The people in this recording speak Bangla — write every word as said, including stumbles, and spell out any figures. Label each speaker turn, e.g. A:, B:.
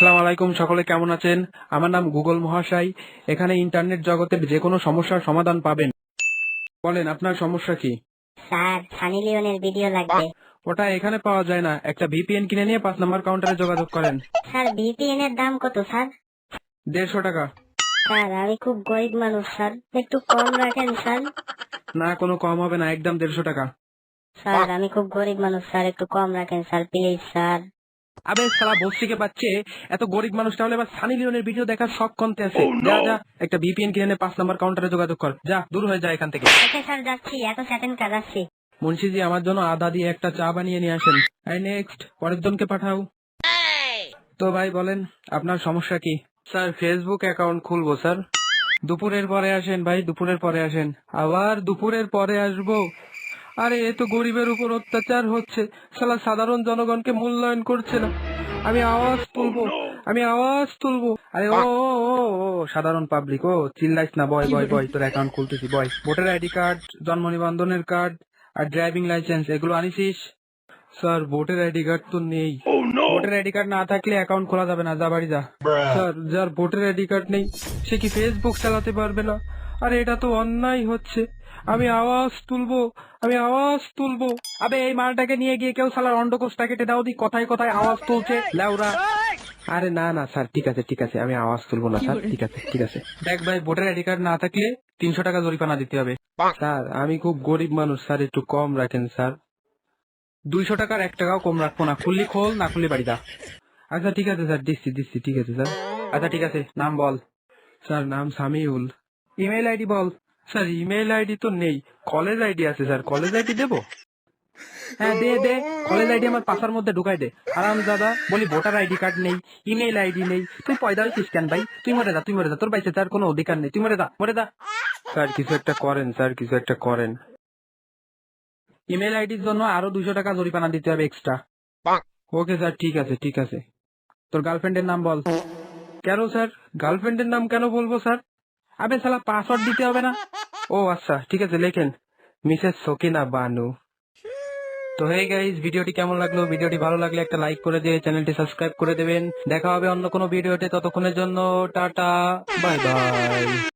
A: আসসালামু আলাইকুম, সকলে কেমন আছেন? আমার নাম গুগল মহাশয়। এখানে ইন্টারনেট জগতের যে কোনো সমস্যার সমাধান পাবেন। বলেন আপনার সমস্যা কি?
B: স্যার, সানি লিওনের ভিডিও লাগবে।
A: ওটা এখানে পাওয়া যায় না, একটা ভিপিএন কিনে নিয়ে পাঁচ নম্বর কাউন্টারে যোগাযোগ করেন।
B: স্যার, ভিপিএন এর দাম কত স্যার?
A: দেড়শো টাকা।
B: স্যার, আমি খুব গরিব মানুষ স্যার, একটু কম রাখেন স্যার।
A: না, কোনো কম হবে না, একদম দেড়শো টাকা।
B: স্যার, আমি খুব গরিব মানুষ স্যার, একটু কম রাখেন স্যার, প্লিজ স্যার।
A: আবে সালা বস্তিকে পাচ্ছে, এত গরিব মানুষ তাহলে এবার সানি লিওনের ভিডিও দেখার শখ কমতে আছে। যা যা, একটা ভিপিএন কিনে নিয়ে পাঁচ নম্বর কাউন্টারে যোগাযোগ কর, যা দূর হয়ে যায় এখান থেকে।
B: ওকে স্যার, যাচ্ছি, এত সেকেন্ড কাজ আসছি।
A: মুন্সিজি, আমার জন্য আদা দিয়ে একটা চা বানিয়ে নিয়ে আসেন। এই নেক্সট, পরের জনকে পাঠাও। তো ভাই বলেন আপনার সমস্যা কি? স্যার, ফেসবুক অ্যাকাউন্ট খুলবো স্যার। দুপুরের পরে আসেন ভাই, দুপুরের পরে আসেন। আবার দুপুরের পরে আসবো? আরে এ তো গরিবের উপর অত্যাচার হচ্ছে, শালা সাধারণ জনগণকে মূল্যায়ন করছে না। আমি আওয়াজ তুলবো, আমি আওয়াজ তুলবো। আরে ও ও ও ও, সাধারণ পাবলিক, ও চিল্লাইস না, বয় বয় বয়, তোর অ্যাকাউন্ট খুলতেছি, বয়। ভোটার আইডি কার্ড, জন্ম নিবন্ধনের কার্ড আর ড্রাইভিং লাইসেন্স এগুলো আনিসিস? স্যার, ভোটার আইডি কার্ড তো নেই। ভোটার আইডি কার্ড না থাকলে অ্যাকাউন্ট খোলা যাবে না, যা বাড়ি যা। স্যার, যার ভোটার আইডি কার্ড নেই সে কি ফেসবুক চালাতে পারবে না? আরে এটা তো অন্যায় হচ্ছে। আমি আওয়াজ তুলবো, আমি আওয়াজ তুলবো। আবে এই মালটাকে নিয়ে গিয়ে কেউ শালার অন্ডকোষটা কেটে দাও দি, কথায় কথায় আওয়াজ তুলছে লেউরা। আরে না না স্যার, ঠিক আছে ঠিক আছে, আমি আওয়াজ তুলবো না স্যার, ঠিক আছে ঠিক আছে। দেখ ভাই, ভোটার আইডি কার্ড না থাকলে তিনশো টাকা জরিমানা দিতে হবে। স্যার, আমি খুব গরিব মানুষ স্যার, একটু কম রাখেন স্যার। দুইশো টাকার এক টাকাও কম রাখবো না, খুললি খোল, না খুললি বাড়ি যা। আচ্ছা ঠিক আছে স্যার, দিচ্ছি দিচ্ছি, ঠিক আছে স্যার। আচ্ছা ঠিক আছে, নাম বল। স্যার, নাম সামিউল। ইমেল আইডি বল। স্যার, ইমেল আইডি তো নেই, কলেজ আইডি আছে স্যার, কলেজ আইডি দেবো? হ্যাঁ দে দে, কলেজ আইডি আমার পাশার মধ্যে ঢুকাই দে। আরাম দাদা বলি, ভোটার আইডি কার্ড নেই, ইমেল আইডি নেই, তুই পয়দা হয়েছিস কেন ভাই? তুই মরে যা, তুই মরে যা, তোর বাইসে তার কোনো অধিকার নেই, তুই মরে যা, মরে যা। স্যার কিছু একটা করেন, স্যার কিছু একটা করেন। ইমেল আইডির জন্য আরো দুশো টাকা জরিমানা দিতে হবে এক্সট্রা। ওকে স্যার, ঠিক আছে ঠিক আছে। তোর গার্লফ্রেন্ডের নাম বল। কেন স্যার, গার্লফ্রেন্ডের নাম কেন বলবো স্যার? আবে শালা, পাসওয়ার্ড দিতে হবে না? ও আচ্ছা ঠিক আছে, লেখেন মিসেস সকিনা বানু। তো হে গাইস, ভিডিওটি কেমন লাগলো? ভিডিওটি ভালো লাগলে একটা লাইক করে দিয়ে চ্যানেলটি সাবস্ক্রাইব করে দেবেন। দেখা হবে অন্য কোনো ভিডিওতে, ততক্ষণের জন্য টাটা, বাই বাই।